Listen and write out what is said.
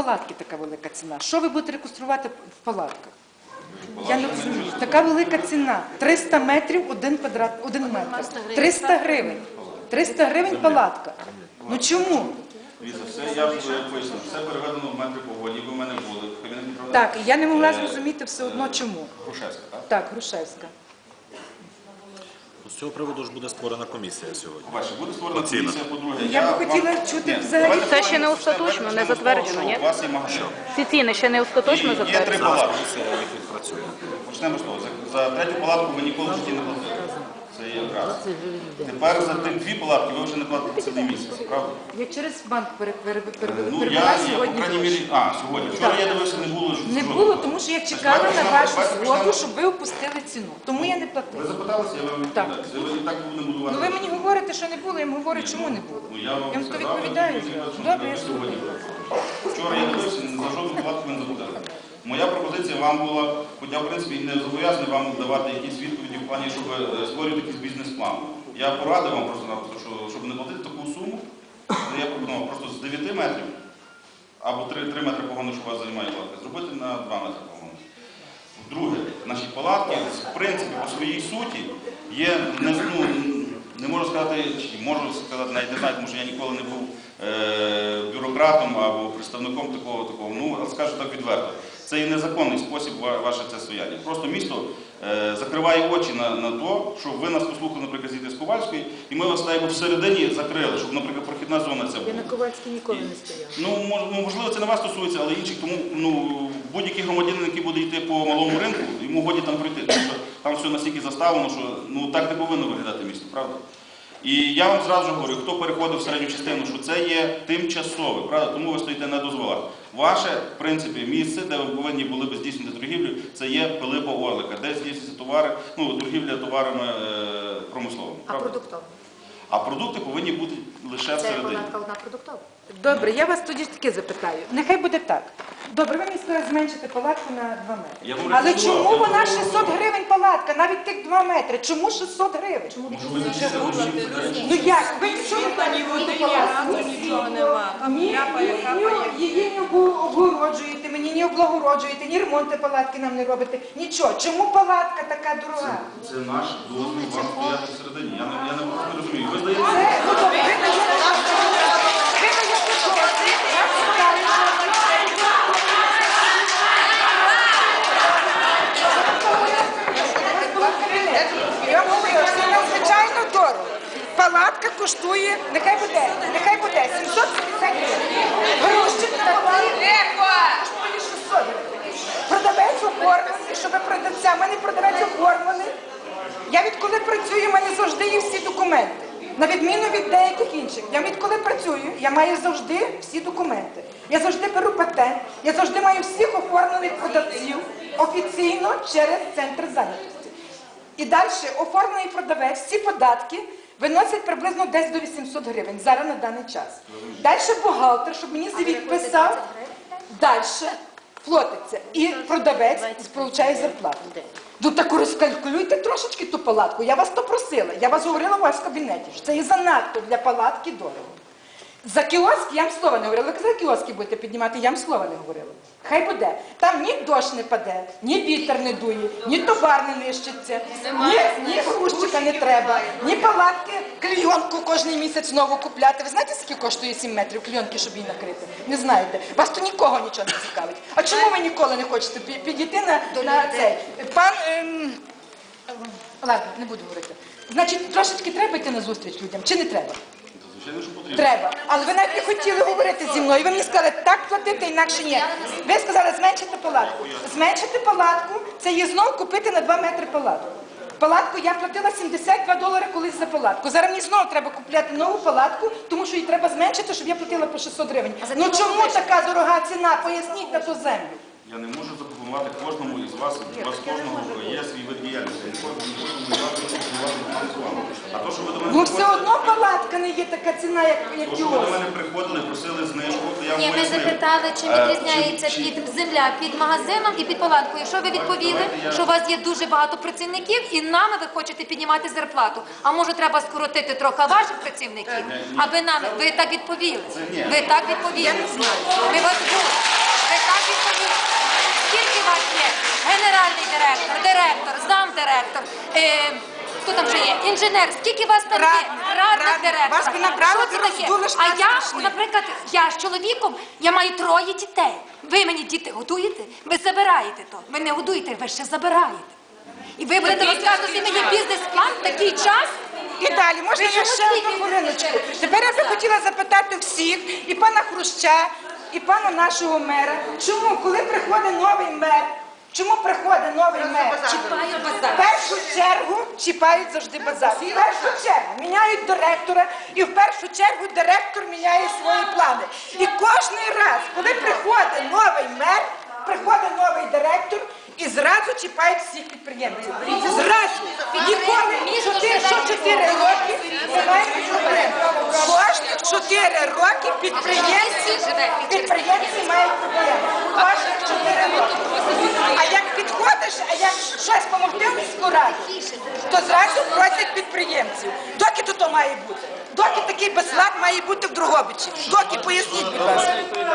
палатки така велика ціна? Що ви будете реконструювати в палатках? Я не розумію. Така велика ціна. 300 метрів, 1 метр. 300 гривень. 300 гривень палатка. Ну чому? Дивіться, все, я поясню, все переведено в метри погоді, ви в мене були. Так, я не могла зрозуміти все одно чому. Грушевська, так? Так, Грушевська. З цього приводу ж буде створена комісія сьогодні. По-перше, буде створена комісія, по-друге, Я би хотіла чути взагалі. Це ще не остаточно, не затверджено, ні? У вас є магазин. Ці ціни ще не остаточно Є 3 затверджені? палатки. Комісія їх відпрацює. Почнемо з того. За 3-ю палатку ви ніколи в житті не платили. Це є раз. Тепер за тим 2 палатки ви вже не платите цілий місяць, правда? Я через банк Ну, перевела я, по сьогодні. крайній мірі, сьогодні. Вчора я дивився, не було жодного. Не було, тому що я чекала на вашу згоду, щоб ви опустили ціну. Тому я не Ви платила. запиталися, я вам Так. відповідаю. Це ви і так будемо будувати. Ну ви мені говорите, що не було, я вам говорю, чому не було. Ну, я вам то сказав, відповідаю. Добре, я сьогодні. слухаю. Вчора я дивився, за жодну палатку ви не заплатили. Моя пропозиція вам була, хоча в принципі не зобов'язаний вам давати якісь відповіді в плані, щоб створювати якийсь бізнес-план. Я порадив вам просто-напросто, щоб не платити таку суму, я пропонував просто з 9 метрів або 3 метри погону, що вас займає палатка, зробити на 2 метри погону. Друге, наші палатки, в принципі, по своїй суті є, не можу сказати, чи можу сказати, навіть не знаю, тому що я ніколи не був бюрократом або представником такого, ну, скажу так відверто. Це є незаконний спосіб ваше це стояння. Просто місто закриває очі на те, що ви нас послухали, наприклад, з Ковальської, і ми вас так всередині закрили, щоб, наприклад, прохідна зона це була. Я на Ковальській ніколи не стояла. Ну, можливо, це не вас стосується, але інших, тому будь-який громадянин, який буде йти по малому ринку, йому годі там пройти, тому що там все настільки заставлено, що так не повинно виглядати місто, правда? І я вам зразу говорю, хто переходив в середню частину, що це є тимчасове, правда? Тому ви стоїте на дозволах. Ваше, в принципі, місце, де ви повинні були б здійснити торгівлю, це є Пилипа Орлика, де здійснюються товари, торгівля товарами промисловими. А продуктові? А продукти повинні бути лише Це всередині. палатка одна продуктова? Добре, я вас тоді ж таки запитаю. Нехай буде так. Добре, ви мені сказали зменшити палатку на 2 Я метри. вам Але рекомендував. чому вона 600 гривень палатка, навіть тих 2 метри? Чому 600 гривень? Ну як? Ви нічого не Нічого нема. Її не обгороджуєте, мені не облагороджуєте, ні ремонти палатки нам не робите. Нічого. Чому палатка така дорога? Це наш дозвіл вам стояти всередині. Я не розумію. Ви здаєте? Ну добре, ви даєте дозвіл. Я вважаю, я говорю, це надзвичайно дорого. Палатка коштує, нехай буде 750 гривень. Грузчик на палатку коштує 600 гривень. Продавець оформлений, щоб продавця, в мене продавець оформлений. Я відколи працюю, в мене завжди є всі документи. На відміну від деяких інших. Я відколи працюю, я маю завжди всі документи. Я завжди беру патент, я завжди маю всіх оформлених продавців офіційно через центр зайнятості. І далі оформлений продавець, всі податки виносять приблизно десь до 800 гривень зараз на даний час. Далі бухгалтер, щоб мені звіт писав, далі платиться. І продавець отримує зарплату. Ну так розкалькулюйте трошечки ту палатку. Я вас то просила. Я вас говорила у вас в кабінеті, що це є занадто для палатки дорого. За кіоск я вам слова не говорила. Ви казали, кіоски будете піднімати, я вам слова не говорила. Хай буде. Там ні дощ не паде, ні вітер не дує, ні товар не нищиться, ні грузчика не треба, ні палатки, клейонку кожен місяць знову купляти. Ви знаєте, скільки коштує 7 метрів клейонки, щоб її накрити? Не знаєте. Вас то нікого нічого не цікавить. А чому ви ніколи не хочете підійти на цей? Пан... Ладно, не буду говорити. Значить, трошечки треба йти на зустріч людям, чи не треба? Звичайно, що потрібно. Треба. Але ви навіть не хотіли говорити зі мною. Ви мені сказали, так платити, інакше ні. Ви сказали, зменшити палатку. Зменшити палатку – це є знову купити на 2 метри палатку. Палатку я платила $72 колись за палатку. Зараз мені знову треба купляти нову палатку, тому що її треба зменшити, щоб я платила по 600 гривень. Ну чому така дорога ціна? Поясніть на ту землю. Я не можу запропонувати кожному із вас, у вас кожного є свій вид діяльності. Я ніколи не можу запропонувати фінансування. А то, що ви до мене Ну все одно палатка не є така ціна, як то, що ви кіоск. до мене приходили, просили знижку, то я вам Ні, ми пояснив. запитали, чи відрізняється земля під магазином і під палаткою. Якщо ви відповіли, що у вас є дуже багато працівників і нами ви хочете піднімати зарплату, а може треба скоротити трохи ваших працівників, аби нами, ви так відповіли. Ви так відповіли. Ми вас були. директор, замдиректор, хто там ще є, інженер, скільки вас там є? Радник директора. Вас би набрали, Що це ви таке? роздули, що А це я, страшне. наприклад, я з чоловіком, я маю 3 дітей. Ви мені діти годуєте? Ви забираєте то. Ви не годуєте, ви ще забираєте. І ви будете розказувати мені бізнес-план в такий час? І далі, можна Ви я чому ще одну тільки хвилиночку? говорите? Тепер я би хотіла запитати всіх, і пана Хруща, і пана нашого мера, чому, коли приходить новий мер, чому приходить новий мер? Чіпають В базар. першу чергу чіпають завжди базар. В першу чергу міняють директора, і в першу чергу директор міняє свої плани. І кожен раз, коли приходить новий мер, приходить новий директор, і зразу чіпають всіх підприємців. Зразу. Ніколи 4 роки немає проблем. Кожні 4 роки підприємці мають проблеми. Кожні 4 роки. А як підходиш, а як щось допомогти в міську раду, то зразу просять підприємців. Доки то має бути? Доки такий безлад має бути в Дрогобичі? Доки, поясніть, будь ласка.